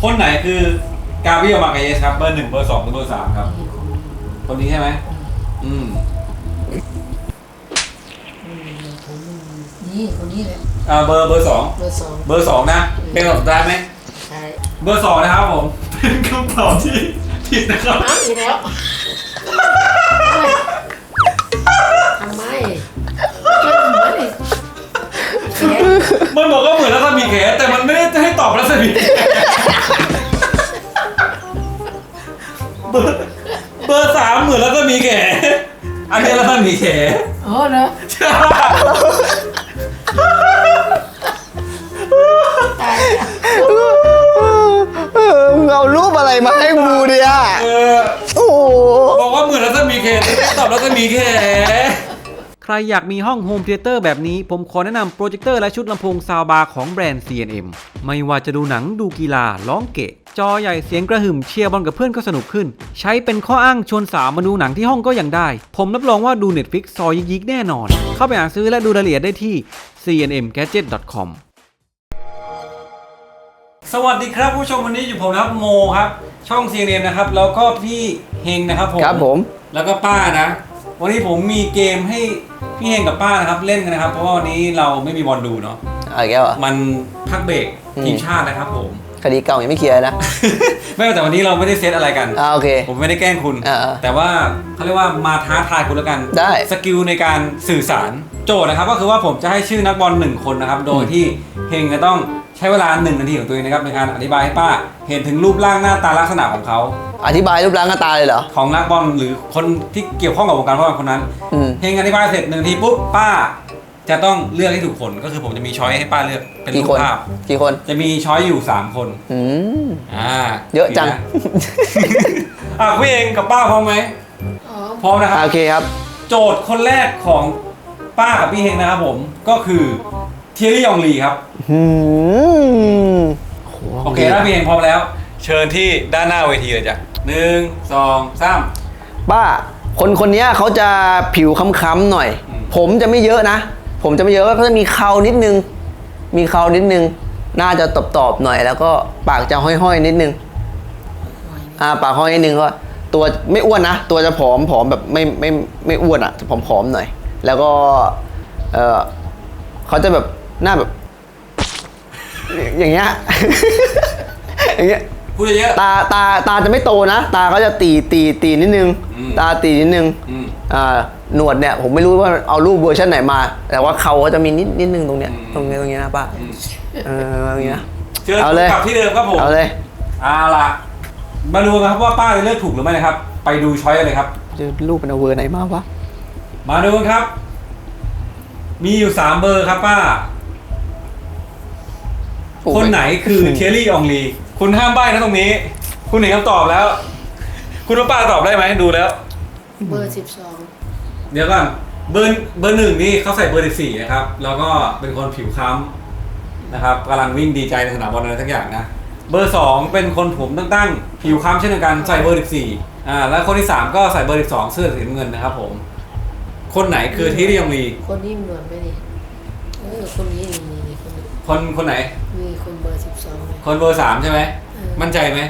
คนไหนคือกาเบรียล มาร์เกเยสครับเบอร์ 1 เบอร์ 2 หรือเบอร์ 3 ครับคนนี้ใช่ไหมนี่คนนี้แหละเบอร์ 2 เบอร์ 2 เบอร์ 2นะเป็นคำตอบสุดท้ายไหมใช่เบอร์ 2นะครับผมเป็นคำตอบที่ผิดนะครับอีกแล้วทำไมมันบอกว่าเหมือนรัศมีแขแต่มันไม่ได้ให้ตอบรัศมีเบอร์ 3เหมือนรัศมีแขอันนี้รัศมีแขอ๋อเหรอตายเอารูปอะไรมาให้กูเนี่ยโอ้บอกว่าเหมือนรัศมีแขไม่ได้ตอบรัศมีแขใครอยากมีห้องโฮมเธียเตอร์แบบนี้ผมขอแนะนำโปรเจคเตอร์และชุดลำโพงซาวบาร์ของแบรนด์ C&M ไม่ว่าจะดูหนังดูกีฬาร้องเกะจอใหญ่เสียงกระหึ่มเชียร์บอลกับเพื่อนก็สนุกขึ้นใช้เป็นข้ออ้างชวนสาวมาดูหนังที่ห้องก็ยังได้ผมรับรองว่าดู Netflix ซอยยิกๆแน่นอนเข้าไปหาซื้อและดูรายละเอียดได้ที่ cnmgadget.com สวัสดีครับผู้ชมวันนี้อยู่ผมนะครับโมครับช่อง C&M นะครับแล้วก็พี่เฮงนะครับผมแล้วก็ป้านะวันนี้ผมมีเกมให้พี่เฮงกับป้านะครับเล่นกันนะครับเพราะว่าวันนี้เราไม่มีบอลดูเนาะมันพักเบรกทีมชาตินะครับผมคดีเก่ายังไม่เคลียร์นะไม่แต่วันนี้เราไม่ได้เซตอะไรกันโอเคผมไม่ได้แกล้งคุณแต่ว่าเขาเรียกว่ามาท้าทายคุณแล้วกันได้สกิลในการสื่อสารโจทย์นะครับก็คือว่าผมจะให้ชื่อนักบอล1คนนะครับโดยที่เฮงจะต้องใช้เวลา1 นาทีของตัวเองนะครับในการอธิบายให้ป้าเห็นถึงรูปร่างหน้าตาลักษณะของเขาอธิบายรูปร่างหน้าตาเลยเหรอของนักบอลหรือคนที่เกี่ยวข้องกับวงการฟุตบอลคนนั้นเฮงอธิบายเสร็จ1 นาทีปุ๊บป้าจะต้องเลือกให้ถูกคนก็คือผมจะมีช้อยให้ป้าเลือกเป็นรูปภาพกี่คนจะมีช้อยอยู่3 คนเยอะจังพี่เองกับป้าพร้อมไหมพร้อมนะครับโอเคครับโจทย์คนแรกของป้ากับพี่เฮงนะครับผมก็คือเทียรี่ยองลีครับโอเคถ้าพี่เฮงพร้อมแล้วเชิญที่ด้านหน้าเวทีเลยจ้ะ1 2 3 ป้าคนนี้เขาจะผิวค้ำๆหน่อยผมจะไม่เยอะนะผมจะไม่เยอะก็จะมีเครานิดนึงน่าจะตอบหน่อยแล้วก็ปากจะห้อยๆนิดนึงปากห้อยนิดนึงก็ตัวไม่อ้วนนะตัวจะผอมแบบไม่อ้วนอ่ะจะผอมๆหน่อยแล้วก็เขาจะแบบหน้าแบบอย่างเงี้ยอย่างเงี้ยพูดเยอะตาจะไม่โตนะตาเขาจะตีนิดนึงตาตีนิดนึงหนวดเนี่ยผมไม่รู้ว่าเอารูปเวอร์ชันไหนมาแต่ว่าเขาจะมีนิดนึงตรงเนี้ยนะป้าอย่างเงี้ยเอาเลยกลับที่เดิมครับผมเอาเลยล่ะมาดูกันครับว่าป้าจะเลือกถูกหรือไม่นะครับไปดูช้อยเลยครับจะรูปเป็นเวอร์ไหนมาวะมาดูกันครับมีอยู่3 เบอร์ครับป้าคนไหนคือเทียรี่อองลีคุณห้ามใบ้นะตรงนี้คุณเห็นคำตอบแล้วคุณว่าป้าตอบได้ไหมดูแล้วเบอร์ 12 เดี๋ยวก่อนเบอร์ 1นี่เขาใส่เบอร์ 14นะครับแล้วก็เป็นคนผิวค้ำนะครับกำลังวิ่งดีใจในสนามบอลอะไรทั้งอย่างนะเบอร์ 2เป็นคนผมตั้งผิวค้ำเช่นเดียวกันใส่เบอร์ 14แล้วคนที่3ก็ใส่เบอร์ 12เสื้อสีน้ำเงินนะครับผมคนไหนคือเทียรี่อองลีคนนี้เหมือนไหมนี่คนนี้คนไหนมีคนเบอร์ 12 คนเบอร์ 3ใช่ไหมมั่นใจไหม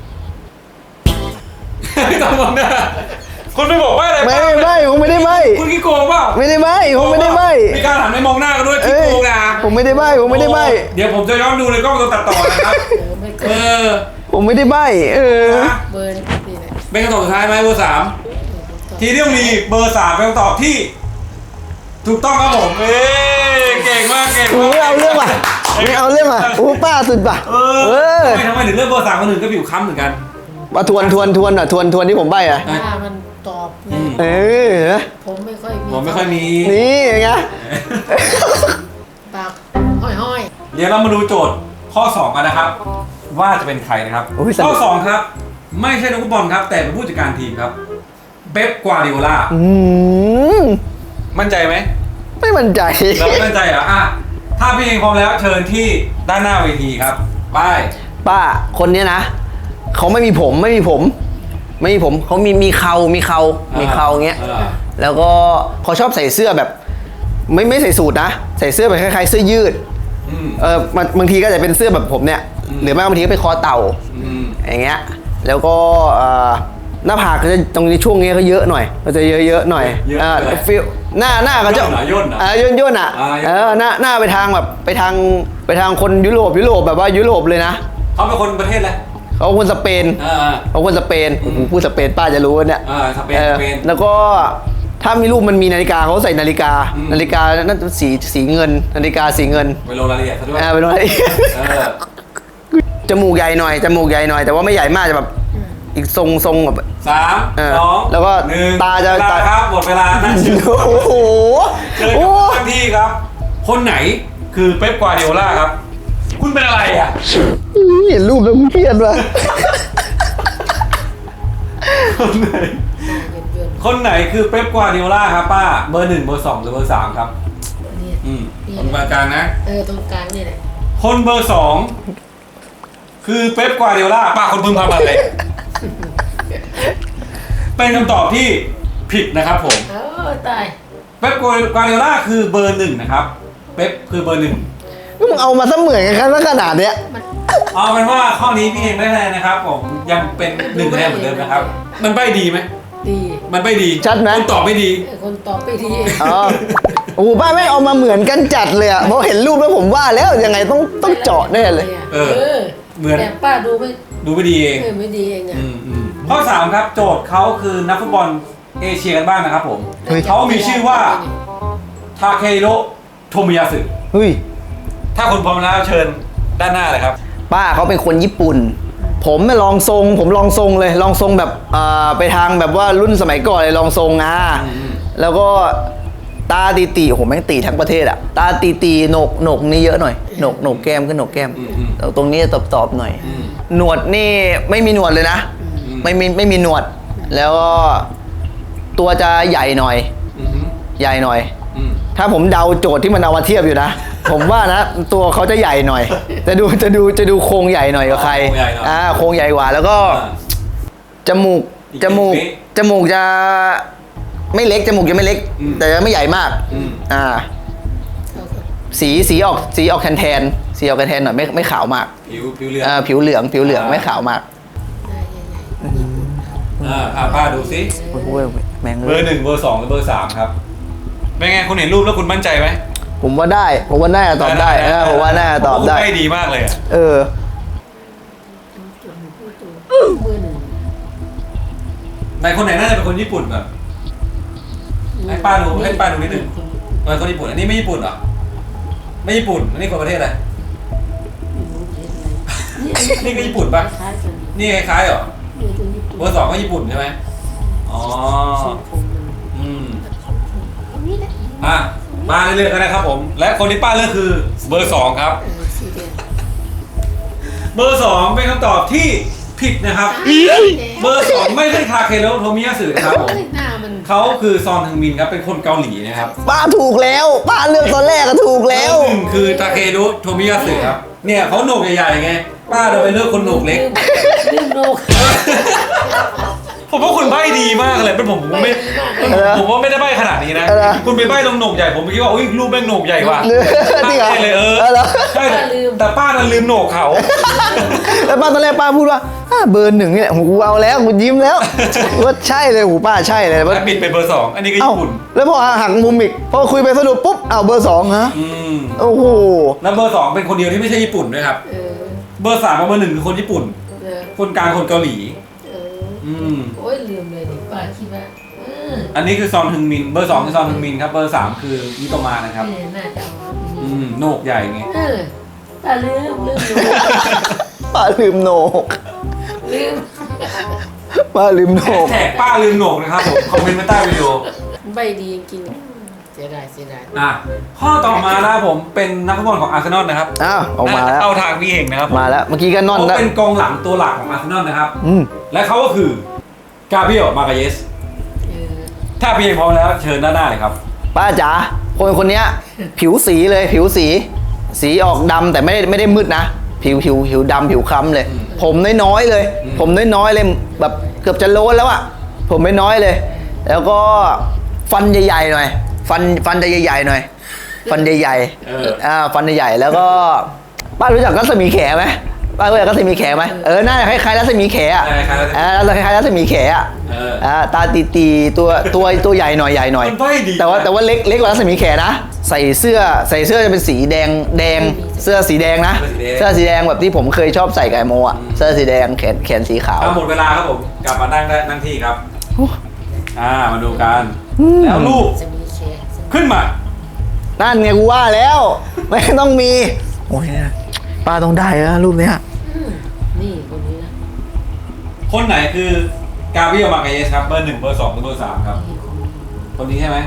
ต้องมองหน้าคุณไม่บอกว่าอะไรไม่ผมไม่ได้ใบ้คุณขี้โกงเปล่าไม่ได้ใบ้ผมไม่ได้ใบ้มีการหันไปมองหน้ากันด้วยขี้โกงนะผมไม่ได้ใบ้เดี๋ยวผมจะย้อนดูในกล้องตัวตัดต่อนะครับผมไม่ได้ใบ้เบอร์นี่แหละเป็นคำตอบสุดท้ายไหมเบอร์ 3ทีเดียวมีเบอร์ 3เป็นคำตอบที่ถูกต้องครับผมเก่งมากไม่เอาเรื่องว่ะป้าสุดป่ะทำไมถึงเลือกเบอร์ 3คนอื่นก็ผิวค้ำเหมือนกันมาทวนที่ผมใบ้มันตอบผมไม่ค่อยมีนี่ไงปากห้อยเดี๋ยวเรามาดูโจทย์ข้อ2กันนะครับว่าจะเป็นใครนะครับข้อ2ครับไม่ใช่นักฟุตบอลครับแต่เป็นผู้จัดการทีมครับเป๊ป กวาร์ดิโอลามั่นใจไหมไม่มั่นใจเราไม่มั่นใจเหรอถ้าพี่เองพร้อมแล้วเชิญที่ด้านหน้าเวทีครับป้าคนนี้นะเขาไม่มีผมเขามีเขาเงี้ยแล้วก็เขาชอบใส่เสื้อแบบไม่ใส่สูทนะใส่เสื้อแบบคล้ายๆเสื้อยืดบางทีก็จะเป็นเสื้อแบบผมเนี่ยหรือไม่บางทีก็เป็นคอเต่า อย่างเงี้ยแล้วก็หน้าผากก็จะตรงนี้ช่วงนี้ก็เยอะหน่อยก็จะเยอะๆหน่อยฟิลหน้าก็จะย่นอ่ะหน้าไปทางแบบไปทางคนยุโรปแบบว่ายุโรปเลยนะเขาเป็นคนประเทศอะไรเขาคนสเปนเขาคนสเปนผมพูดสเปนป้าจะรู้เนี่ยสเปนแล้วก็ถ้ามีรูปมันมีนาฬิกาเขาใส่นาฬิกานั่นสีเงินนาฬิกาสีเงินไปลงรายละเอียดซะด้วยไปลงรายละเอียดจมูกใหญ่หน่อยแต่ว่าไม่ใหญ่มากจะแบบอีกทรงแบบ 3 2 แล้วก็ 1 ตาจะครับหมดเวลานั่นชื่อโอ้โหเจอกันที่ครับ คนไหนคือเป๊ปกวาร์ดิโอล่าครับ คุณเป็นอะไรอ่ะเห็นรูปแล้วกูเครียดว่ะคนไหนคือเป๊ปกวาร์ดิโอล่าครับป้าเบอร์ 1 เบอร์ 2 หรือเบอร์ 3 ครับเนี่ยตรงกลางนะตรงกลางนี่แหละคนเบอร์ 2 คือเป๊ปกวาร์ดิโอล่าป้าคนพึงพำอะไร เป็นคำตอบที่ผิดนะครับผมตายเป๊ปกวาร์ดิโอล่าคือเบอร์ 1 นะครับเป๊ปคือเบอร์ 1 มึงเอามาซะเหมือนกันขนาดเนี้ยเอาเป็นว่าข้อนี้พี่เองได้คะแนนนะครับผมยังเป็น1คะแนนเหมือนเดิมนะครับ มันใบ้ดีไหมดีมันใบ้ดีชัดไหมคนตอบไม่ดีคนตอบไปดีอ๋อโอ้โหป้าไม่เอามาเหมือนกันจัดเลยอ่ะพอเห็นรูปแล้วผมว่าแล้วยังไงต้องเจาะแน่เลยเหมือนแต่ป้าดูไม่ดีเองไม่ดีเองอ่ะข้อ 3 ครับ โจทย์เขาคือนักฟุตบอลเอเชียกันบ้างนะครับผมเฮ้ยเขามีชื่อว่าทาเคฮิโร่โทมิยาสึเฮ้ยถ้าคุณพร้อมแล้วเชิญด้านหน้าเลยครับป้าเขาเป็นคนญี่ปุ่น ผมลองทรงเลยลองทรงแบบไปทางแบบว่ารุ่นสมัยก่อนเลยลองทรงแล้วก็ตาตีโอ้โหแม่งตีทั้งประเทศอะตาตีโหนกนี่เยอะหน่อยโหนกแก้มก็โหนกแก้มตรงนี้ตอบหน่อยหนวดนี่ไม่มีหนวดเลยนะไม่มีหนวด แล้วก็ตัวจะใหญ่หน่อยถ้าผมเดาโจทย์ที่มันเอามาเทียบอยู่นะ ผมว่านะตัวเขาจะใหญ่หน่อยจะดูโครงใหญ่หน่อยกว่าใครโครงใหญ่กว่าแล้วก็จมูกจะไม่เล็กจมูกยังไม่เล็กแต่ยังไม่ใหญ่มากสีออกแทนสีออกแทนหน่อยไม่ขาวมากผิวเหลืองไม่ขาวมากป้าดูสิแม่งเบอร์ 1 เบอร์ 2 หรือเบอร์ 3 ครับเป็นไงคุณเห็นรูปแล้วคุณมั่นใจไหมผมว่าน่าจะตอบได้ผมว่าน่าจะตอบได้ไม่ดีมากเลยอ่ะเบอร์หนึ่งในคนไหนน่าจะเป็นคนญี่ปุ่นแบบให้ป้าดูนิดนึงคนญี่ปุ่นอันนี้ไม่ญี่ปุ่นเหรอไม่ญี่ปุ่นอันนี้คนประเทศอะไรนี่ก็ญี่ปุ่นปะนี่คล้ายๆเหรอเบอร์ 2 ก็ญี่ปุ่นใช่ไหมอ๋อมาเรื่อยๆกันนะครับผมและคนที่ป้าเลือกคือเบอร์ 2 ครับเบอร์ 2 เป็นคำตอบที่ผิดนะครับเบอร์ 2 ไม่ใช่ทาเคฮิโร่โทมิยาสึนะครับผมเขาคือซอนฮึงมินครับเป็นคนเกาหลีนะครับป้าถูกแล้วป้าเลือกตอนแรกก็ถูกแล้วเบอร์ 1 คือทาเคฮิโร่โทมิยาสึครับเนี่ยเขาโหนกใหญ่ๆไงป้าเราไปเลือกคนโหนกเล็กลืมโนกผมว่าคุณใบ้ดีมากเลยเป็นผมว่าไม่ได้ใบ้ขนาดนี้นะคุณไปใบ้ตรงโหนกใหญ่ผมคิดว่าอุ้ยรูปแม่งโหนกใหญ่ว่ะจริงเหรอเลยใช่แต่ป้านั้นลืมโหนกเขาแล้วป้าตอนแรกป้าพูดว่าเบอร์ 1เนี่ยกูเอาแล้วกูยิ้มแล้วว่าใช่เลยหูป้าใช่เลยแล้วปิดเป็นเบอร์ 2 อันนี้ก็ญี่ปุ่นแล้วพอหักมุมอีกพอคุยไปสรุปปุ๊บเบอร์ 2ฮะโอ้โหแล้วเบอร์ 2 เป็นคนเดียวที่ไม่ใช่ญี่ปุ่นด้วยครับเบอร์ 3 กับเบอร์ 1 คือคนญี่ปุ่นคนกลางคนเกาหลีโอ้ยลืมเลยดิป้าคิดว่าอันนี้คือซอนฮึงมินเบอร์ 2 คือซอนฮึงมินครับเบอร์ 3 คือมิโตมานะครับน่าจะโหนกใหญ่ไงป้าลืมป้าลืมโหนกป้าลืมโหนกแท็กป้าลืมโหนกนะครับผมคอมเมนต์มาใต้วิดีโอใบดีจริงเสียดายข้อต่อมานะครับผมเป็นนักฟุตบอลของอาร์เซนอลนะครับออกมาแล้วเอาทางพี่เองนะครับมาแล้วเมื่อกี้ก็นอนแล้วเป็นกองหลังตัวหลักของอาร์เซนอลนะครับและเขาก็คือกาเบรียล มาร์กาเยสถ้าพี่เองพร้อมแล้วเชิญด้านหน้าเลยครับป้าจ๋าคนนี้ผิวสีเลยสีออกดำแต่ไม่ได้มืดนะผิวดำผิวคล้ำเลยผมน้อยๆเลยแบบเกือบจะโล้นแล้วอะผมน้อยๆเลยแล้วก็ฟันใหญ่ๆหน่อยฟันจะใหญ่ๆหน่อยฟันใหญ่ๆฟันใหญ่ๆแล้วก็ป้ารู้จักรัศมีแขไหมป้ารู้จักรัศมีแขไหมหน้าคล้ายๆรัศมีแขอ่ะคล้ายๆรัศมีคล้ายๆรัศมีแขอ่ะตาตีๆตัวใหญ่หน่อยมันใบ้ดีแต่ว่าเล็กกว่ารัศมีแขนะใส่เสื้อจะเป็นสีแดงเสื้อสีแดงนะเสื้อสีแดงแบบที่ผมเคยชอบใส่กับไอโมอ่ะเสื้อสีแดงแขนสีขาวหมดเวลาครับผมกลับมานั่งที่ครับมาดูกันแล้วรูปจะมีแขกขึ้นมานั่นไงกูว่าแล้วไม่ต้องมีโอ้ยป้าต้องได้แล้วรูปเนี้ยนี่คนนี้นะคนไหนคือกาเบรียลมาร์เกเยสครับเบอร์ 1 เบอร์ 2หรือเบอร์ 3ครับนี่คนนี้คนนี้ใช่ไหม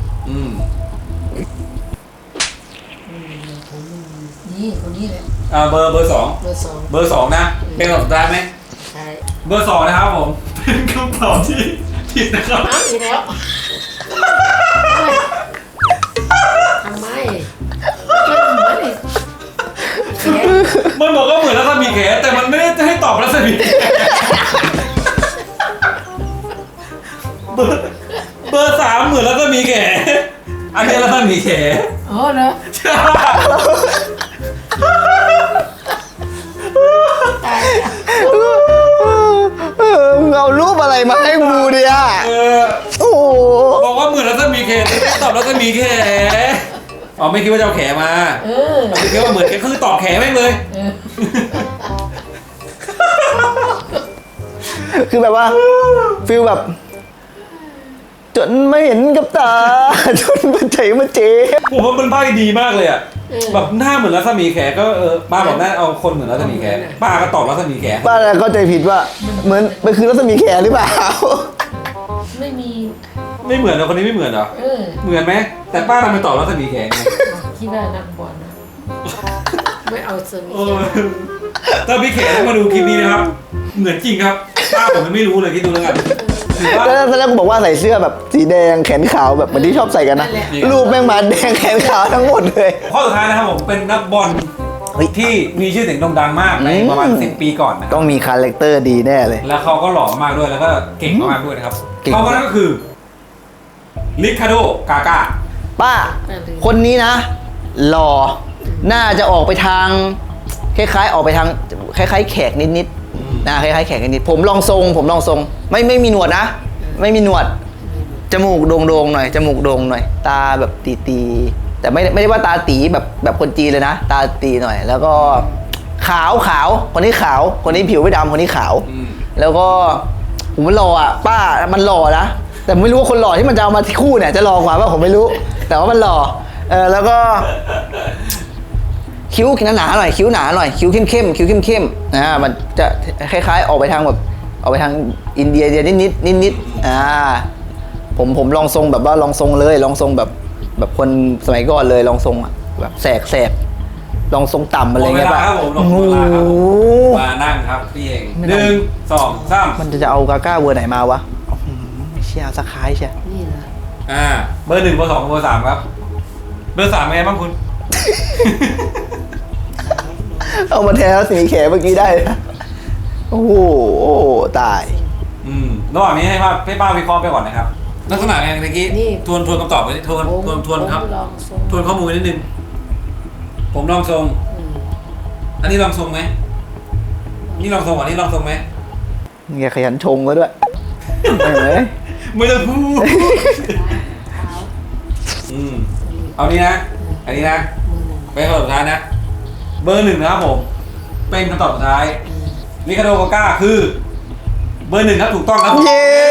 ผมนี่คนนี้แหละเบอร์ 2 เบอร์สองเบอร์ 2นะเป็นคำตอบสุดท้ายไหมใช่เบอร์ 2นะครับผมเป็นคำตอบที่ผิดนะครับอ้าวอีกแล้วทำไมมันบอกว่าเหมือนรัศมีแขแต่มันไม่ได้ให้ตอบรัศมีแขเบอร์ 3เหมือนรัศมีแขอันนี้รัศมีแขอ๋อเหรอตายแล้วมึงเอารูปอะไรมาให้กูเนี่ยโอ้โหบอกว่าเหมือนรัศมีแขแต่ไม่ตอบรัศมีแขไม่คิดว่าจะเอาแขมาไม่คิดว่าเหมือนแขคือตอบแขแม่งเลยคือแบบว่าฟิลแบบ จนไม่เห็นกับตา จนมันใจมันเจ็บผมว่ามันใบ้ดีมากเลยอ่ะแบบหน้าเหมือนรัศมีแขก็ป้าบอกหน้าเอาคนเหมือนรัศมีแขป้าก็ตอบรัศมีแขป้าเข้าใจผิดว่าเหมือนมันคือรัศมีแขหรือเปล่าไม่มีไม่เหมือนนะคนนี้ไม่เหมือนเหรอเหมือนไหมแต่ป้าทำไมตอบรัศมีแขไงคิดว่านักบอลนะไม่เอาสมิถ้าพี่แขต้องมาดูคลิปนี้นะครับเหมือนจริงครับป้าผมไม่รู้เลยคิดดูแล้วกันถือว่าแล้วก็บอกว่าใส่เสื้อแบบสีแดงแขนขาวแบบเหมือนที่ชอบใส่กันนะรูปแม่งมาแดงแขนขาวทั้งหมดเลยข้อสุดท้ายนะครับผมเป็นนักบอลที่มีชื่อเสียงโด่งดังมากในประมาณ10 ปีก่อนนะคต้รัอบ งมีคาแรคเตอร์ดีแน่เลยแล้วเขาก็หล่อมากด้วยแล้วก็เก่งมากด้วยนะครับเก่งเขาคนนั้นก็คือริคาร์โดกาก้าป้า คนนี้นะหล่อน่าจะออกไปทางคล้ายๆออกไปทางคล้ายๆแขกนิดๆนะคล้ายๆแขกนิดๆผมลองทรงไม่มีหนวดนะ ไม่มีหนวดจมูกโด่งๆหน่อยจมูกโด่งหน่อย ตาแบบตีๆแต่ไม่ได้ว่าตาตีแบบคนจีนเลยนะ ตาตีหน่อย แล้วก็ขาวคนนี้ขาวคนนี้ผิวไม่ดำคนนี้ขาว แล้วก็ผมมันหล่ออ่ะป้ามันหล่อนะแต่ไม่รู้ว่าคนหล่อที่มันจะเอามาคู่เนี่ยจะหล่อกว่าผมไม่รู้ แต่ว่ามันหล่อแล้วก็คิ้วหนาๆหน่อยคิ้วหนาหน่อยคิ้วเข้มมันจะคล้ายๆออกไปทางแบบออกไปทางอินเดียนิดผมลองทรงแบบว่าลองทรงเลยลองทรงแบบคนสมัยก่อนเลยลองทรงอ่ะแบบแสกลองทรงต่ำอะไรเงี้ยป่ะหมดเวลาครับผมมานั่งครับพี่เอง1 2 3 มันจะเอากาก้าเวอร์ไหนมาวะเชียร์สักคล้ายเชียนี่นะเบอร์ 1 เบอร์ 2 เบอร์ 3ครับเบอร์ 3เป็นไงบ้างคุณเอามาแทนสีแขเมื่อกี้ได้นะโอ้โหตายระหว่างนี้ให้ป้าวิเคราะห์ไปก่อนนะครับลักษณะไงเมื่อกี้ทวนคำตอบไปทวนครับลองทรงทวนข้อมูลนิดนึงผมลองทรงอันนี้ลองทรงไหมนี่ลองทรงอันนี้ลองทรงไหมเงี้ยขยันชงก็ด้วยไม่ต้องพูดเอานี้นะอันนี้นะเป็นคำตอบสุดท้ายนะเบอร์ 1นะครับผมเป็นคำตอบสุดท้ายริคาร์โดกาก้าคือเบอร์ 1ครับถูกต้องครับเย้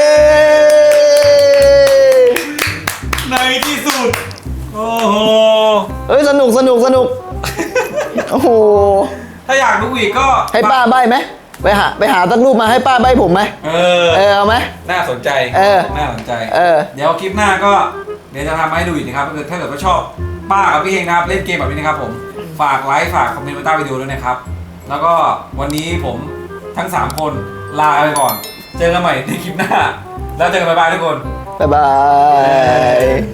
ในที่สุดโอ้โหเอ้ยสนุกโอ้โหถ้าอยากดูอีกก็ให้ป้าใบ้ไหมไปหาสักรูปมาให้ป้าใบ้ผมไหมเอาไหมน่าสนใจ น่าสนใจ เดี๋ยวคลิปหน้าก็เดี๋ยวจะทำมาให้ดูอีกนะครับถ้าเกิดว่าชอบป้ากับพี่เองนะครับเล่นเกมแบบนี้นะครับผมฝากไลค์ฝากคอมเมนต์ไว้ใต้วิดีโอด้วยนะครับแล้วก็วันนี้ผมทั้ง3คนลาไปก่อนเจอกันใหม่ในคลิปหน้าแล้วเจอกันบ๊ายบายทุกคนบ๊ายบาย